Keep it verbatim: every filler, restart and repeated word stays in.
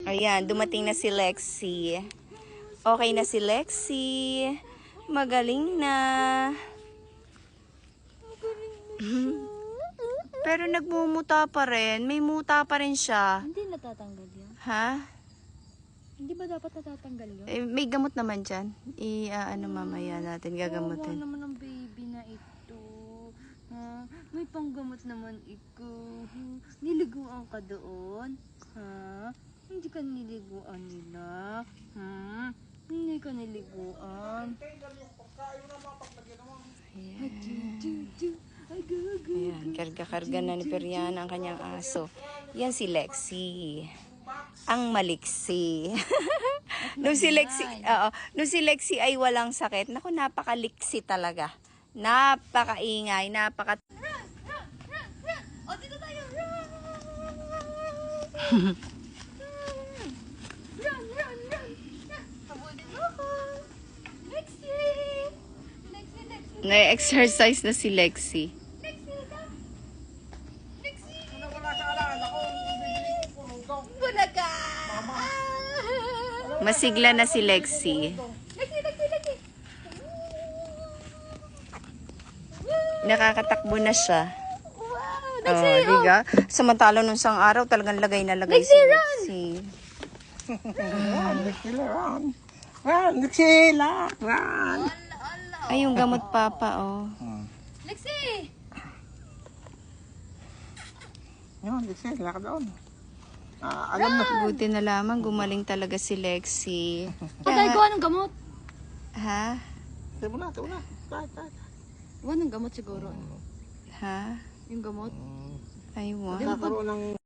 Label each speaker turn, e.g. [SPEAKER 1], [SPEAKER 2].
[SPEAKER 1] Ayan, dumating na si Lexi. Okay na si Lexi. Magaling na. Pero nagmumuta pa rin. May muta pa rin siya.
[SPEAKER 2] Hindi natatanggal yun.
[SPEAKER 1] Ha?
[SPEAKER 2] Hindi ba dapat natatanggal yun?
[SPEAKER 1] Eh, may gamot naman dyan. I, ah, ano mamaya natin
[SPEAKER 2] Kawawa
[SPEAKER 1] gagamutin.
[SPEAKER 2] naman ang baby na ito. Ha? May panggamot naman ikaw. Hmm? Niliguan ka doon? Ha? Hindi ka niliguan nila? Ha? Hindi ka niliguan?
[SPEAKER 1] Ayan, karga-karga na ni Perian ang kanyang aso. Yan si Lexi. Ang maliksi. nung si Lexi, oo, nung si Lexi ay walang sakit. Naku, napakaliksi talaga. Napakaingay, napaka...
[SPEAKER 2] O, dito tayo! Run, run, run! Habulin mo ako! Lexi! Lexi, Lexi!
[SPEAKER 1] Na-exercise na si Lexi.
[SPEAKER 2] Lexi, ka! Lexi! Bulaga!
[SPEAKER 1] Masigla na si Lexi.
[SPEAKER 2] Lexi, Lexi, Lexi!
[SPEAKER 1] Nakakatakbo na siya.
[SPEAKER 2] Wow!
[SPEAKER 1] Oh,
[SPEAKER 2] Lexi, oh!
[SPEAKER 1] diga? Samantala nung isang araw, talagang lagay na lagay si Lexi.
[SPEAKER 3] Run, Lexi, run. Run, Lexi, run.
[SPEAKER 1] Ay, yung gamot papa, oh.
[SPEAKER 2] Lexi!
[SPEAKER 3] Yun, Lexi, lakad doon. Ah, alam na.
[SPEAKER 1] Buti na lamang, gumaling talaga si Lexi.
[SPEAKER 2] Patay ko, anong gamot?
[SPEAKER 1] Ha?
[SPEAKER 3] Tayo mo na, tayo mo na. Tayo, tayo.
[SPEAKER 2] Anong gamot siguro?
[SPEAKER 1] Ha?
[SPEAKER 2] Yung gamot?
[SPEAKER 1] I want.
[SPEAKER 3] Nagkakaroon ng